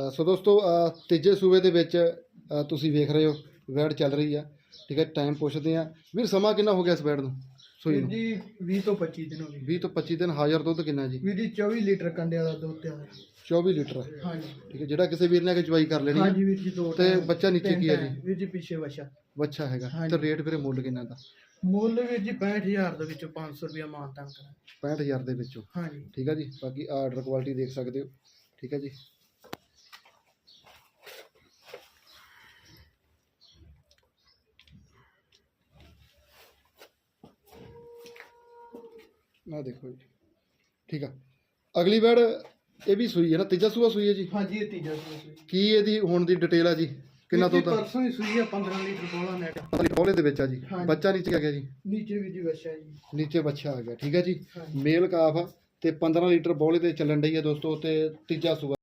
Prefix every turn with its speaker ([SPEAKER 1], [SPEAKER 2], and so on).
[SPEAKER 1] ਸੋ ਦੋਸਤੋ ਤੀਜੇ ਸੂਬੇ ਦੇ ਵਿੱਚ ਤੁਸੀਂ ਵੇਖ ਰਹੇ ਹੋ ਵੈੜ ਚੱਲ ਰਹੀ ਆ। ਠੀਕ ਹੈ, ਟਾਈਮ ਪੁੱਛਦੇ ਆ ਵੀਰ, ਸਮਾਂ ਕਿੰਨਾ ਹੋ ਗਿਆ ਇਸ ਵੈੜ ਨੂੰ ਸੂਈ ਨੂੰ?
[SPEAKER 2] ਜੀ 20 ਤੋਂ 25 ਦਿਨ ਹੋ ਗਏ।
[SPEAKER 1] 20 ਤੋਂ 25 ਦਿਨ। ਹਾਜ਼ਰ ਦੁੱਧ ਕਿੰਨਾ ਜੀ?
[SPEAKER 2] ਵੀਰ ਜੀ 24 ਲੀਟਰ ਕੰਡੇ ਵਾਲਾ ਦੁੱਧ ਤਿਆਰ ਹੈ।
[SPEAKER 1] 24 ਲੀਟਰ।
[SPEAKER 2] ਹਾਂਜੀ
[SPEAKER 1] ਠੀਕ ਹੈ, ਜਿਹੜਾ ਕਿਸੇ ਵੀਰ ਨੇ ਆ ਕੇ ਚਵਾਈ ਕਰ ਲੈਣੀ
[SPEAKER 2] ਹਾਂਜੀ
[SPEAKER 1] ਹੈ।
[SPEAKER 2] ਵੀਰ ਜੀ। 2
[SPEAKER 1] ਤੇ ਬੱਚਾ ਨੀਚੇ ਕੀ ਹੈ ਜੀ?
[SPEAKER 2] ਵੀਰ ਜੀ ਪਿੱਛੇ ਵਛਾ
[SPEAKER 1] ਬੱਚਾ ਹੈਗਾ।
[SPEAKER 2] ਹਾਂਜੀ।
[SPEAKER 1] ਤੇ ਰੇਟ ਵੀਰੇ ਮੁੱਲ ਕਿੰਨਾ ਦਾ?
[SPEAKER 2] ਮੁੱਲ ਵੀਰ ਜੀ 65000 ਦੇ ਵਿੱਚੋਂ 500 ਰੁਪਇਆ ਮਾਨਤਾਨ ਕਰਾਂ।
[SPEAKER 1] 65000 ਦੇ ਵਿੱਚੋਂ।
[SPEAKER 2] ਹਾਂਜੀ
[SPEAKER 1] ਠੀਕ ਹੈ ਜੀ। ਬਾਕੀ ਆਰਡਰ ਕੁਆਲਿਟੀ ਦੇਖ ਸਕਦੇ ਹੋ। ਠੀਕ ਹੈ ਜੀ। ਨਾ ਦੇਖੋ ਜੀ। ਠੀਕ ਆ, ਅਗਲੀ ਵੈੜ ਇਹ ਵੀ ਸੂਈ ਹੈ ਨਾ? ਤੀਜਾ ਸੂਆ ਸੂਈ ਹੈ ਜੀ?
[SPEAKER 2] ਹਾਂਜੀ ਇਹ ਤੀਜਾ ਸੂਆ।
[SPEAKER 1] ਕੀ ਇਹਦੀ ਹੁਣ ਦੀ ਡਿਟੇਲ ਆ ਜੀ? ਕਿੰਨਾ ਦੁੱਧ?
[SPEAKER 2] ਪਰਸੋਂ ਹੀ ਸੂਈ ਆ। 15 ਲੀਟਰ ਕੋਲਾ ਨੈਟ।
[SPEAKER 1] ਬੋਲੇ ਦੇ ਵਿੱਚ ਆ ਜੀ।
[SPEAKER 2] ਹਾਂਜੀ।
[SPEAKER 1] ਬੱਚਾ ਨੀਚੇ ਆ ਗਿਆ ਜੀ?
[SPEAKER 2] ਨੀਚੇ ਵੀਰ ਜੀ ਵਛਾ ਜੀ।
[SPEAKER 1] ਨੀਚੇ ਬੱਚਾ ਆ ਗਿਆ। ਠੀਕ ਹੈ ਜੀ।
[SPEAKER 2] ਹਾਂਜੀ।
[SPEAKER 1] ਮੇਲ ਕਾਫ ਆ ਤੇ 15 ਲੀਟਰ ਬੋਲੇ ਤੇ ਚੱਲਣ ਡਈ ਹੈ ਦੋਸਤੋ। ਤੇ ਤੀਜਾ ਸੂਆ